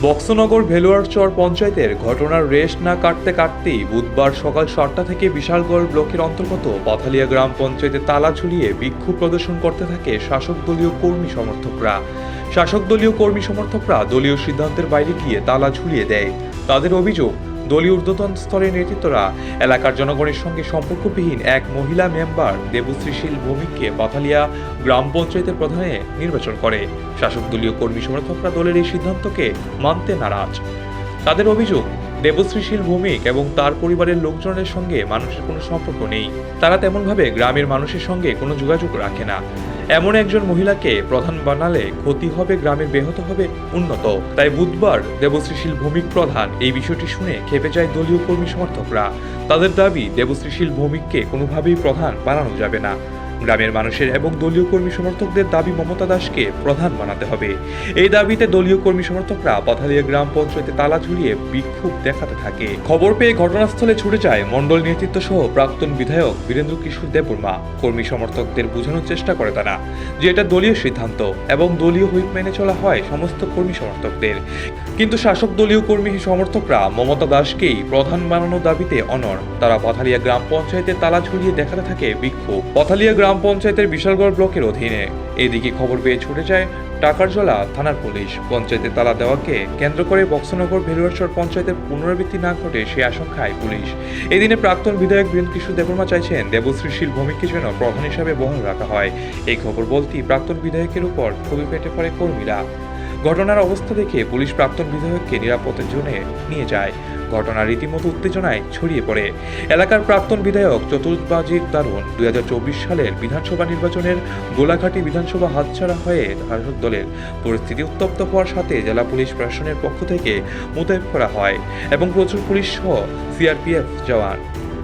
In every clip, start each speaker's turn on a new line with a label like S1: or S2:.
S1: বক্সনগর ভেলুয়ারচর পঞ্চায়েতের ঘটনার রেশ না কাটতে কাটতেই বুধবার সকাল 7টা থেকে বিশালগড় ব্লকের অন্তর্গত পাথালিয়া গ্রাম পঞ্চায়েতে তালা ঝুলিয়ে বিক্ষোভ প্রদর্শন করতে থাকে শাসক দলীয় কর্মী সমর্থকরা। শাসক দলীয় কর্মী সমর্থকরা দলীয় সিদ্ধান্তের বাইরে গিয়ে তালা ঝুলিয়ে দেয়। তাদের অভিযোগ, দলীয় ঊর্ধ্বতন স্তরের নেতৃত্বরা এলাকার জনগণের সঙ্গে সম্পর্কবিহীন এক মহিলা মেম্বার দেবশ্রী শীল ভৌমিককে পাথালিয়া গ্রাম পঞ্চায়েতের প্রধানে নির্বাচন করে। শাসক দলীয় কর্মী সমর্থকরা দলের এই সিদ্ধান্তকে মানতে নারাজ। তাদের অভিযোগ, দেবশ্রী শীল ভৌমিক এবং তার পরিবারের লোকজনের সঙ্গে মানুষের কোনো সম্পর্ক নেই। তারা তেমনভাবে গ্রামের মানুষের সঙ্গে কোনো যোগাযোগ রাখে না। এমন একজন মহিলাকে প্রধান বানালে ক্ষতি হবে, গ্রামের ব্যাহত হবে উন্নত। তাই বুধবার দেবশ্রী শীল ভৌমিক প্রধান এই বিষয়টি শুনে খেপে যায় দলীয় কর্মী সমর্থকরা। তাদের দাবি, দেবশ্রী শীল ভৌমিককে কোনোভাবেই প্রধান বানানো যাবে না। গ্রামের মানুষের এবং দলীয় কর্মী সমর্থকদের দাবি মমতা দাসকে প্রধান বানাতে হবে। এই দাবিতে দলীয় কর্মী সমর্থকরা পাথালিয়া গ্রাম পঞ্চায়েতে তালা ঝুলিয়ে বিক্ষোভ দেখাতে থাকে। খবর পেয়ে ঘটনাস্থলে ছুটে যায় মণ্ডল নেতৃত্ব সহ প্রাক্তন বিধায়ক বীরেন্দ্র কিশোর দেববর্মা। কর্মী সমর্থকদের বোঝানোর চেষ্টা করে তারা যে এটা দলীয় সিদ্ধান্ত এবং দলীয় হুইপ মেনে চলা হয় সমস্ত কর্মী সমর্থকদের। কিন্তু শাসক দলীয় কর্মী সমর্থকরা মমতা দাসকেই প্রধান বানানোর দাবিতে অনড়। তারা পাথালিয়া গ্রাম পঞ্চায়েতে তালা ঝুলিয়ে দেখাতে থাকে বিক্ষোভ। পাথালিয়া গ্রাম পঞ্চায়েতের বিশালগড় ব্লকের অধীনে। এদিকে খবর পেয়ে ছুটে যায় টাকারজলা থানার পুলিশ। পঞ্চায়েতে তালা দেওয়াকে কেন্দ্র করে বক্সনগর ভেলুয়ারচর পঞ্চায়েতের পুনরাবৃত্তি না ঘটে সে আশঙ্কায় পুলিশ। এদিনে প্রাক্তন বিধায়ক বীরেন্দ্র কিশোর দেববর্মা চাইছেন দেবশ্রী শীল ভৌমিককে যেন প্রধান হিসাবে বহাল রাখা হয়। এই খবর বলতেই প্রাক্তন বিধায়কের উপর ক্ষোভে ফেটে পড়ে কর্মীরা। ঘটনার অবস্থা দেখে পুলিশ প্রাক্তন বিধায়ককে নিরাপত্তার জোনে নিয়ে যায়। ঘটনা রীতিমতো উত্তেজনায় ছড়িয়ে পড়ে। এলাকার প্রাক্তন বিধায়ক চতুর্বাজির দারুণ 2024 সালের বিধানসভা নির্বাচনের গোলাঘাটি বিধানসভা হাতছাড়া হয়ে শাসক দলের পরিস্থিতি উত্তপ্ত হওয়ার সাথে জেলা পুলিশ প্রশাসনের পক্ষ থেকে মোতায়েন করা হয় এবং প্রচুর পুলিশ সহ সিআরপিএফ জওয়ান।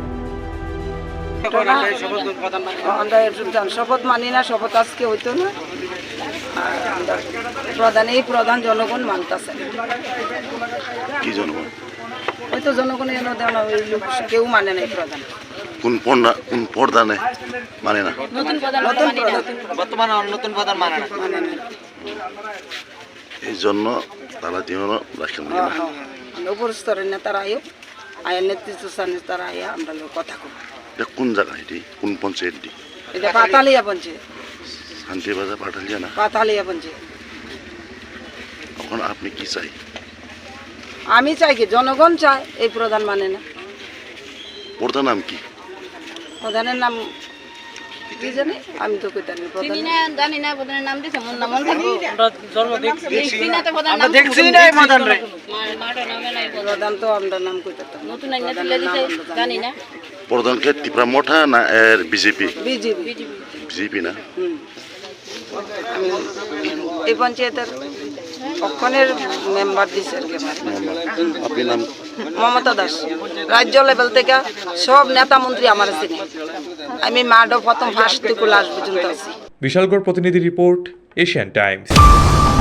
S2: শপথ মানি না, শপথ আজকে হইতো না। প্রধান জনগণ মানতেছে
S3: কি জনগণ?
S2: হয়তো জনগণ এনে দেয় না, ওই লোক কেউ মানে নাই প্রধান।
S3: কোন প্রধানে মানে না?
S2: নতুন প্রধান মানে না।
S3: এই জন্য তারা জীবন রাখেন না।
S2: উপর স্তরের নেতারা আয়া নেতৃত্ব স্থানে তারা আয়া আমরা কথা কব।
S3: এটা কোন জায়গা? এটি কোন পঞ্চায়েত?
S2: এটা পাতালিয়া পঞ্চায়েত।
S3: শান্তিবাজার পাঠালিয়া না?
S2: পাতালিয়া পঞ্চায়েত।
S3: এখন আপনি কি চাই?
S2: আমি চাই কি জনগণ চায়, এই প্রধান মানে না।
S3: প্রধান নাম কি?
S2: প্রধানের নাম কি জানি, আমি তো কই জানি প্রধান
S4: জানি না। প্রধানের নাম দিছে মন নাম থাকবো। আমরা জন্ম দেখছি না তো প্রধান
S2: নাম দেখছি না। প্রধান রে মাটো নামে নাই প্রধান, তো আমরা নাম কইতাম
S4: নতুন আইনা দিলে দিছে জানি না।
S3: প্রধানকে টিপরা মোঠা না এর বিজেপি? বিজেপি না।
S2: আমি এই পঞ্চায়েতের অক্ষণের মেম্বার দিছে।
S3: আপনি নাম?
S2: মমতা দাস। রাজ্য লেভেল থেকে সব নেতা মন্ত্রী আমার চিনে। আমি মাডো প্রথম ফার্স্ট থেকে লাস্ট পর্যন্ত আছি।
S1: বিশালগড় প্রতিনিধি রিপোর্ট, এশিয়ান টাইমস।